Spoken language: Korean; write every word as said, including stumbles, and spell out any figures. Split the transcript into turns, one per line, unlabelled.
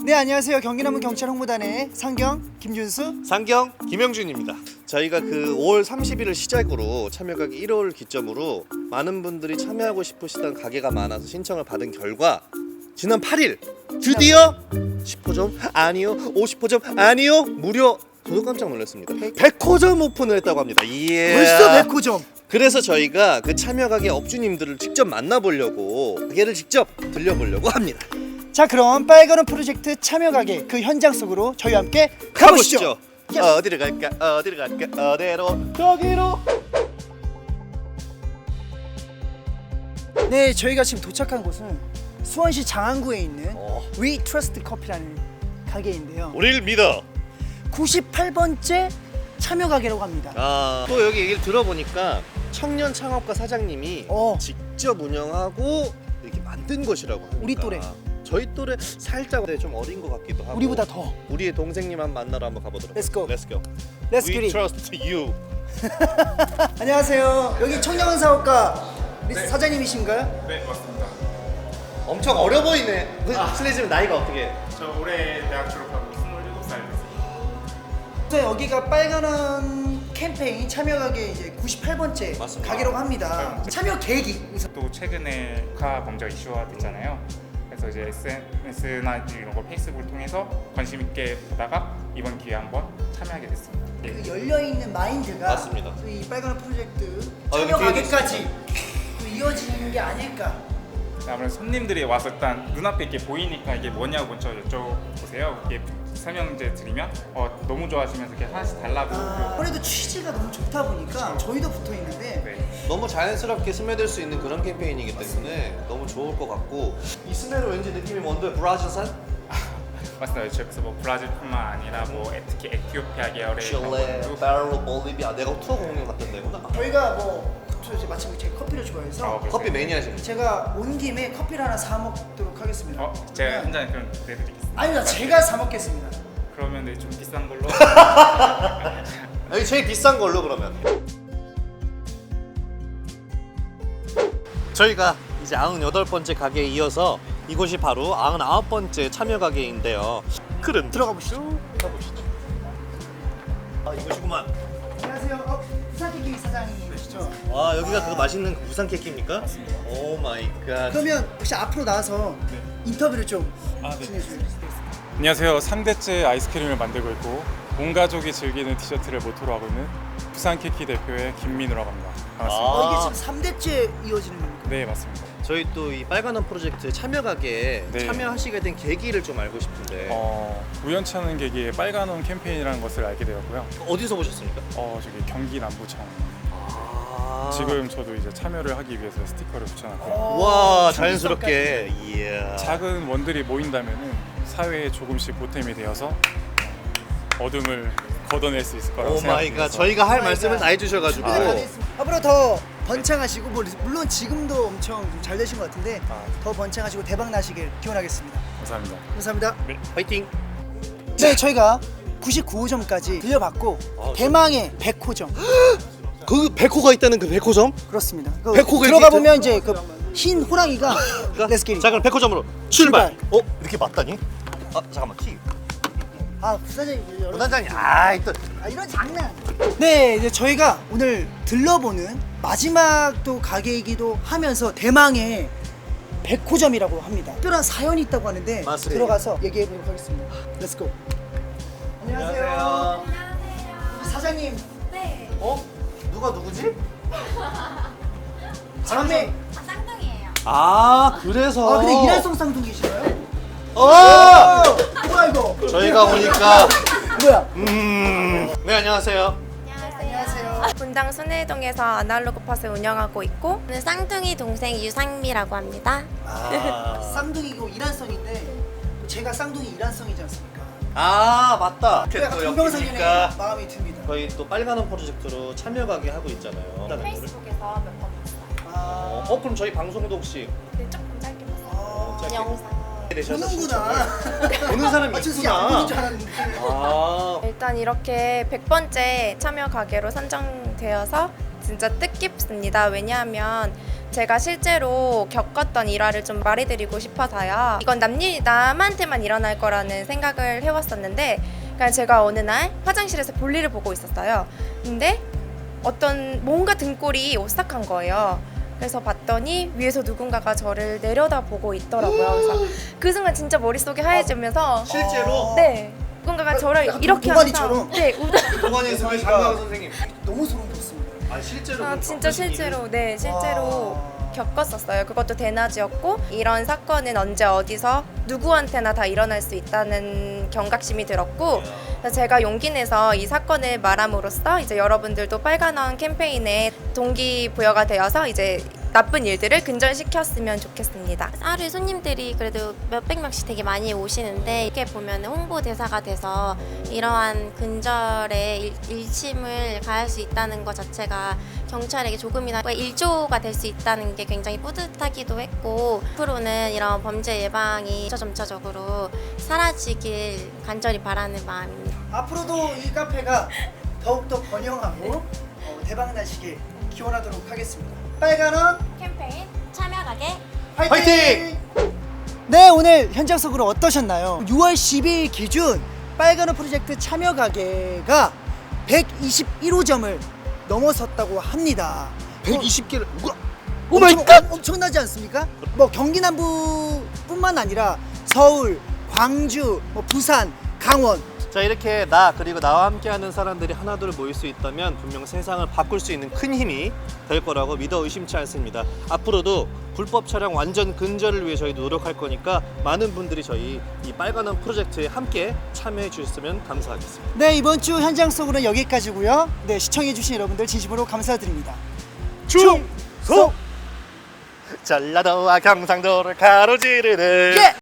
네, 안녕하세요. 경기남부 경찰 홍보단의 상경 김준수.
상경 김영준입니다. 저희가 그 오월 삼십일을 시작으로 참여가게 일 월 기점으로 많은 분들이 참여하고 싶으시던 가게가 많아서 신청을 받은 결과 지난 팔 일 드디어 십 호점 아니요, 오십 호점 아니요, 무려 저도 깜짝 놀랐습니다. 백 호점 오픈을 했다고 합니다. 예.
벌써 백 호점.
그래서 저희가 그 참여가게 업주님들을 직접 만나보려고 가게를 직접 들려보려고 합니다.
자, 그럼 빨간 옷 프로젝트 참여 가게 그 현장 속으로 저희와 함께 가보시죠.
가보시죠. 어디를 갈까? 어디를 갈까? 어디로? 저기로.
네, 저희가 지금 도착한 곳은 수원시 장안구에 있는
어.
We Trust Coffee라는 가게인데요.
우리를 믿어.
구십팔 번째 참여 가게라고 합니다.
아, 또 여기 얘기를 들어보니까 청년 창업가 사장님이
어.
직접 운영하고 이렇게 만든 것이라고 합니다.
우리 또래.
저희 또래 살짝 좀 어린 것 같기도 하고.
우리보다 더.
우리의 동생님 한 만나러 한번 가보도록.
Let's go.
Let's go.
Let's
We
get it.
trust you.
안녕하세요. 여기 청년 사업가 우리
네.
사장님이신가요?
네, 맞습니다.
엄청 어려 보이네. 그 실례지만 나이가 어떻게?
저 올해 대학 졸업하고 스물일곱 살 됐습니다.
또 여기가 빨간원 캠페인 참여 가게 이제 구십팔 번째
맞습니다.
가게라고 합니다. 참여 계획이
또 최근에 국가 범죄 이슈화 됐잖아요. 그래서 이제 에스엔에스나 이런 거 페이스북을 통해서 관심 있게 보다가 이번 기회에 한번 참여하게 됐습니다.
그 열려 있는 마인드가
맞습니다.
또이 빨간 프로젝트
아, 여기
참여
뒤에도
가게까지 또 이어지는 게 아닐까.
아무래도 손님들이 와서 일단 눈앞에 이렇게 보이니까 이게 뭐냐고 먼저 여쭤보세요. 이게 설명제 드리면 어, 너무 좋아하시면서 이렇게 하나씩 달라고.
아, 아무래도 취지가 너무 좋다 보니까
그렇죠.
저희도 붙어 있는데
네.
너무 자연스럽게 스며들 수 있는 그런 캠페인이기 때문에 너무 좋을 것 같고 이 스멜은 왠지 느낌이 뭔데? 브라질산?
맞습니다. 저기서 뭐 브라질뿐만 아니라 뭐 특히 에티오피아 계열의
칠레,
것도
페루, 볼리비아. 내가 투어 공연 갔던 데구나.
저희가 뭐 저 이제 마침 제가 커피를 좋아해서
어,
커피 매니아십니다.
제가 온 김에 커피를 하나 사 먹도록 하겠습니다.
어, 제가 한 잔 그럼 내드리겠습니다.
아니요, 제가 사 먹겠습니다.
그러면 네, 좀 비싼 걸로.
여기 제일 비싼 걸로 그러면. 저희가 이제 구십팔 번째 가게에 이어서 이곳이 바로 구십구 번째 참여 가게인데요. 그럼
들어가 보시죠.
가보시죠. 아, 이곳이구만.
안녕하세요. 어, 부산케이크 사장님이시죠?
와, 여기가 그 맛있는 그 부산 케이크입니까? 오 마이 갓.
그러면 혹시 앞으로 나와서 인터뷰를 좀
아, 네.
진행해 주세요.
안녕하세요. 삼 대째 아이스크림을 만들고 있고 온 가족이 즐기는 티셔츠를 모토로 하고 있는 부산 케이크 대표의 김민우라고 합니다. 반갑습니다.
어, 이게
아.
지금 삼 대째 이어지는 겁니까?
네, 맞습니다.
저희 또 이 빨간 원 프로젝트 참여 가게에
네.
참여하시게 된 계기를 좀 알고 싶은데
어, 우연치 않은 계기에 빨간원 캠페인이라는 것을 알게 되었고요.
어디서 보셨습니까?
어, 저기 경기 남부청.
아.
지금 저도 이제 참여를 하기 위해서 스티커를 붙여놨고
와, 자연스럽게. 이야.
작은 원들이 모인다면은 사회에 조금씩 보탬이 되어서 어둠을 걷어낼 수 있을 거라고
오 마이 갓.
생각해서
저희가 할
오 마이
말씀을
갓.
다 해주셔가지고.
준비가 다 됐습니다. 앞으로 더 번창하시고 뭐, 물론 지금도 엄청 좀잘 되신 것 같은데
아.
더 번창하시고 대박 나시길 기원하겠습니다.
감사합니다.
감사합니다.
파이팅.
네, 저희가 구십구 호점까지 들려봤고
아,
대망의 백 호점
그 백호가 있다는 그 백호점?
그렇습니다. 그
백 호가
들어가
이렇게
보면 이제 그 흰 호랑이가 Let's get it.
자, 그럼 백호점으로 출발. 어? 이렇게 맞다니? 아, 잠깐만. 티.
아, 부사장님 여러분.
부단장님. 아, 또.
아, 이런 장난. 네, 이제 저희가 오늘 들러보는 마지막 또 가게이기도 하면서 대망의 백 호점이라고 합니다. 특별한 사연이 있다고 하는데
맞습니다.
들어가서 얘기해 보도록 하겠습니다. Let's go. 안녕하세요. 사장님.
네.
어? 누가 누구지?
다음에
아, 쌍둥이에요.
아, 그래서.
아, 근데 이란성 쌍둥이시나요?
어!
뭐야 이거?
저희가 오니까.
뭐야?
음. 네, 안녕하세요.
안녕하세요. 분당 순회동에서 아날로그 팟을 운영하고 있고 저는 쌍둥이 동생 유상미라고 합니다.
아,
쌍둥이고 이란성인데 제가 쌍둥이 이란성이지 않습니까?
아 맞다.
약간
또
동병상련의
여기니까
마음이 듭니다.
저희 또 빨간원 프로젝트로 참여가게 하고 있잖아요.
페이스북에서 몇 번 봤어요.
아,
어, 그럼 저희 방송도 혹시
근데 조금 짧게 봤어요.
아,
짧게.
영상.
보는구나.
보는 사람이
아, 저 진짜 안 보는 줄
있구나.
알았는데.
아,
일단 이렇게 백 번째 참여 가게로 선정되어서 진짜 뜻깊습니다. 왜냐하면 제가 실제로 겪었던 일화를 좀 말해드리고 싶어서요. 이건 남일 남한테만 일어날 거라는 생각을 해왔었는데, 그러니까 제가 어느 날 화장실에서 볼일을 보고 있었어요. 근데 어떤 뭔가 등골이 오싹한 거예요. 그래서 봤더니 위에서 누군가가 저를 내려다보고 있더라고요. 그래서 그 순간 진짜 머릿속이 하얘지면서
실제로?
네, 누군가가 저를
약간
이렇게
도가니처럼?
하면서 네, 우-
동안의 습관 장강 선생님.
너무 소름 돋습니다.
아 실제로?
아,
그럼
진짜
겪으신 일을-
실제로 네 실제로
와.
겪었었어요. 그것도 대낮이었고, 이런 사건은 언제 어디서 누구한테나 다 일어날 수 있다는 경각심이 들었고, 그래서 제가 용기 내서 이 사건을 말함으로써 이제 여러분들도 빨간원 캠페인에 동기부여가 되어서 이제 나쁜 일들을 근절시켰으면 좋겠습니다. 하루에 손님들이 그래도 몇백 명씩 되게 많이 오시는데, 이렇게 보면 홍보대사가 돼서 이러한 근절에 일, 일침을 가할 수 있다는 것 자체가 경찰에게 조금이나마 일조가 될 수 있다는 게 굉장히 뿌듯하기도 했고, 앞으로는 이런 범죄 예방이 점차적으로 사라지길 간절히 바라는 마음입니다.
앞으로도 이 카페가 더욱더 번영하고 어, 대박나시길 기원하도록 하겠습니다. 빨간원
캠페인 참여하게
화이팅!
화이팅!
네, 오늘 현장 속으로 어떠셨나요? 유월 십이일 기준 빨간원 프로젝트 참여 가게가 백이십일 호점을 넘어섰다고 합니다.
백이십 개를
오 마이 갓! 엄청나지 않습니까? 뭐 경기 남부뿐만 아니라 서울, 광주, 뭐 부산, 강원.
자, 이렇게 나 그리고 나와 함께하는 사람들이 하나둘 모일 수 있다면 분명 세상을 바꿀 수 있는 큰 힘이 될 거라고 믿어 의심치 않습니다. 앞으로도 불법 촬영 완전 근절을 위해 저희도 노력할 거니까 많은 분들이 저희 이 빨간원 프로젝트에 함께 참여해 주셨으면 감사하겠습니다.
네, 이번 주 현장 속으로는 여기까지고요. 네, 시청해 주신 여러분들 진심으로 감사드립니다.
충성! 전라도와 경상도를 가로지르는
예!